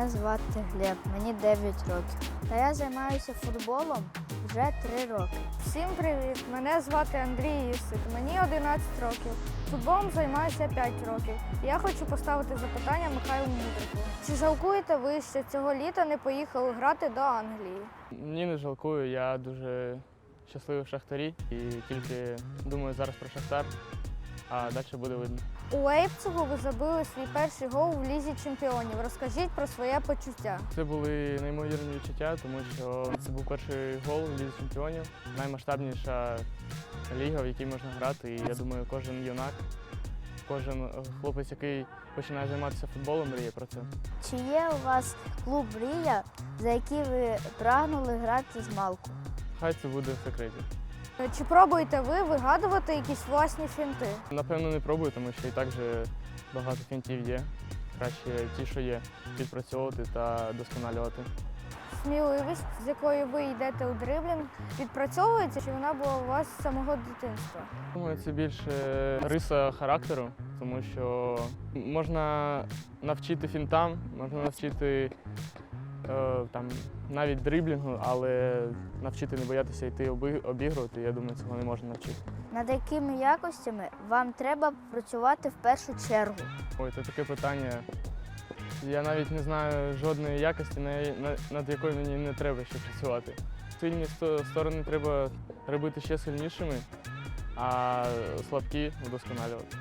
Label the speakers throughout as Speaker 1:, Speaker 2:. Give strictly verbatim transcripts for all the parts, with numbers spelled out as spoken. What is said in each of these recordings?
Speaker 1: Мене звати Глеб, мені дев'ять років. Та я займаюся футболом вже три роки.
Speaker 2: Всім привіт! Мене звати Андрій Ісик, мені одинадцять років. Футболом займаюся п'ять років. Я хочу поставити запитання Михайлу Мудрику. Чи жалкуєте ви, що цього літа не поїхали грати до Англії?
Speaker 3: Ні, не жалкую. Я дуже щасливий в Шахтарі і тільки думаю зараз про Шахтар, а далі буде видно.
Speaker 2: У Лейпцигу ви забили свій перший гол в Лізі чемпіонів. Розкажіть про своє почуття.
Speaker 3: Це були неймовірні відчуття, тому що це був перший гол в Лізі чемпіонів, наймасштабніша ліга, в якій можна грати. І я думаю, кожен юнак, кожен хлопець, який починає займатися футболом, мріє про це.
Speaker 1: Чи є у вас клуб «Мрія», за який ви прагнули грати з малку?
Speaker 3: Хай це буде в секреті.
Speaker 2: Чи пробуєте ви вигадувати якісь власні фінти?
Speaker 3: Напевно, не пробую, тому що і так же багато фінтів є. Краще ті, що є, відпрацьовувати та досконалювати.
Speaker 2: Сміливість, з якою ви йдете у дриблінг, відпрацьовується, чи вона була у вас з самого дитинства?
Speaker 3: Думаю, це більше риса характеру, тому що можна навчити фінтам, можна навчити е, там, навіть дриблінгу, але навчити не боятися йти обігрувати, я думаю, цього не можна навчити.
Speaker 1: Над якими якостями вам треба працювати в першу чергу?
Speaker 3: Ой, це таке питання. Я навіть не знаю жодної якості, над якою мені не треба ще працювати. Сильні сторони треба робити ще сильнішими, а слабкі удосконалювати.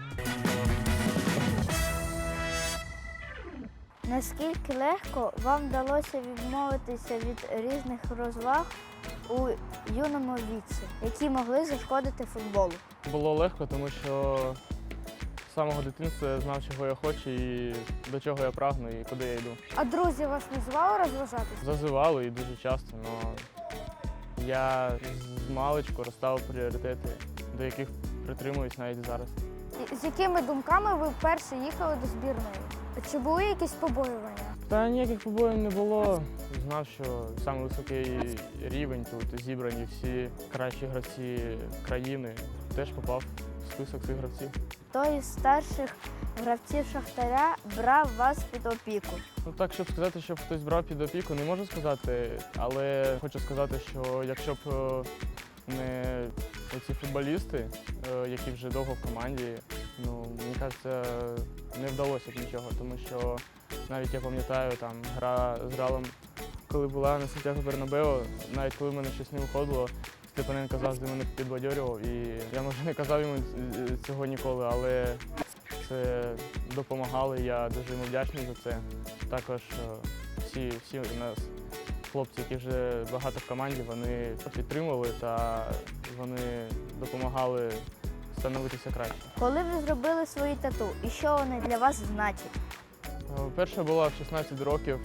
Speaker 1: Наскільки легко вам вдалося відмовитися від різних розваг у юному віці, які могли зашкодити футболу?
Speaker 3: Було легко, тому що з самого дитинства я знав, чого я хочу і до чого я прагну і куди я йду.
Speaker 2: А друзі вас не звали розважатися?
Speaker 3: Зазивали і дуже часто, але я з маличку розставив пріоритети, до яких притримуюсь навіть зараз.
Speaker 2: І з якими думками ви вперше їхали до збірної? Чи були якісь побоювання?
Speaker 3: Та ніяких побоїв не було. Знав, що саме високий рівень тут зібрані всі кращі гравці країни. Теж попав в список цих гравців.
Speaker 1: Хто із старших гравців Шахтаря брав вас під опіку?
Speaker 3: Ну так, щоб сказати, щоб хтось брав під опіку, не можу сказати, але хочу сказати, що якщо б не ці футболісти, які вже довго в команді, ну, мені кажеться, не вдалося б нічого, тому що навіть я пам'ятаю, там гра з Реалом, коли була на Сантьяго Бернабеу, навіть коли в мене щось не виходило, Степаненко завжди мене підбадьорював, і я, може, не казав йому цього ніколи, але це допомагало, і я дуже йому вдячний за це. Також всі, всі у нас хлопці, які вже багато в команді, вони підтримували та вони допомагали становитися краще.
Speaker 1: Коли ви зробили свої тату і що вони для вас значать?
Speaker 3: Перша була в шістнадцять років.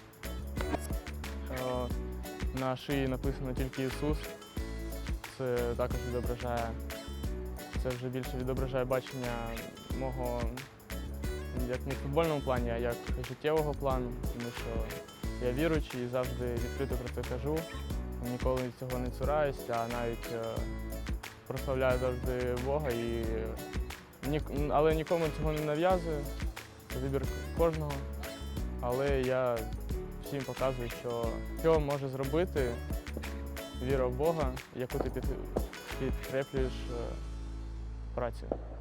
Speaker 3: На шиї написано тільки Ісус. Це також відображає, це вже більше відображає бачення мого, як не в футбольному плані, а як життєвого плану, тому що я віруючий і завжди відкрито про це кажу. Ніколи цього не цураюсь, а навіть прославляю завжди Бога, і, але нікому цього не нав'язую. Це вибір кожного. Але я всім показую, що що може зробити віра в Бога, яку ти підкріплюєш працею.